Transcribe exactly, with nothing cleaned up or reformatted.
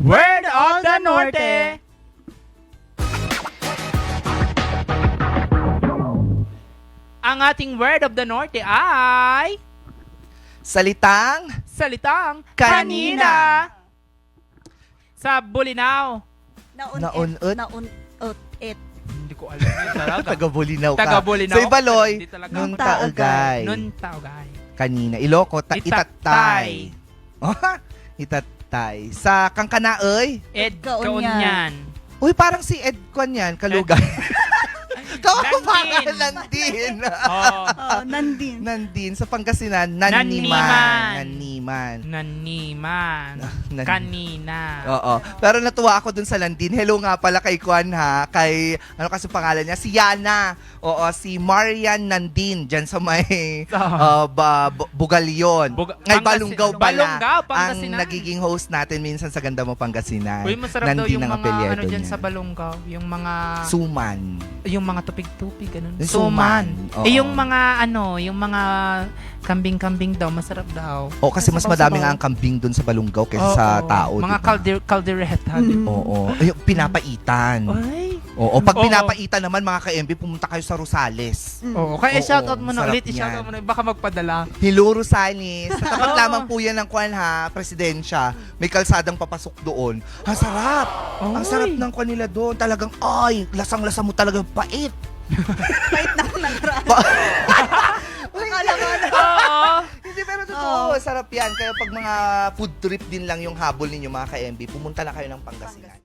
Word of the Norte! Ang ating word of the Norte ay Salitang salitang Kanina. Sa Bulinaw. Naun-ut. Naun-ut. It. Hindi ko alam yun talaga. Taga-Bulinaw ka. Taga-Bulinaw. Sa Ibaloy, Hindi talaga. nung Taogay. taogay. Nun taogay. Kanina. Iloco, ta- Itatay. itatay. Oh, itatay. Sa Kangkanaoy, Ed Kaunyan. Kaunyan. uy, parang si Ed Kwan yan, Kalugay. Kawapangan Nandin. lang din. Oh. Oh, nandin. Nandin. Sa Pangasinan, Naniman. Naniman. Naniman. Naniman. Nan- Kanina. Oo. Pero natuwa ako dun sa Landin. Hello nga pala kay Kwan ha. Kay, ano kasi pangalan niya? Si Yana. Oo, si Marian Nandin. Dyan sa may uh, ba, bu- Bugalyon. Bug- Ay, Pangasi- Balungaw pala. Balungaw, ang Pangasinan. nagiging host natin minsan sa Ganda Mo Pangasinan. Uy, masarap daw Nandin yung ang mga apelyido ano dyan niya. sa Balungaw. Yung mga... Suman. yung mga tupig-tupig, ganun. Yung Suman. suman. Oo. Eh, yung mga, ano, yung mga kambing-kambing daw, masarap daw. O kasi mas Sabaw-sabaw. madami nga ang kambing dun sa Balungaw kaysa sa Oo. tao. Mga diba? calder, caldereta. Mm. Oo. Ay, yung pinapaitan. Ay. Oo. Pag Oo. pinapaitan naman mga ka-M B, pumunta kayo sa Rosales. Mm. Oo. Kaya Oo, shoutout mo na sarap ulit. I-shoutout yan. mo na. Baka magpadala. Hello, Rosales. Sa tapat Oo. lamang po yan ng Kwan ha, Presidensya. May kalsadang papasok doon. Ang sarap. Ang Oy. sarap ng Kwan nila doon. Talagang, ay, lasang-lasa mo talagang pait. Wait na ako nagraan. Akala ko ano. Oo. Hindi, pero totoo. Oo. Sarap yan. Kaya pag mga food trip din lang yung habol ninyo mga ka-M B, pumunta na kayo ng Pangasinan.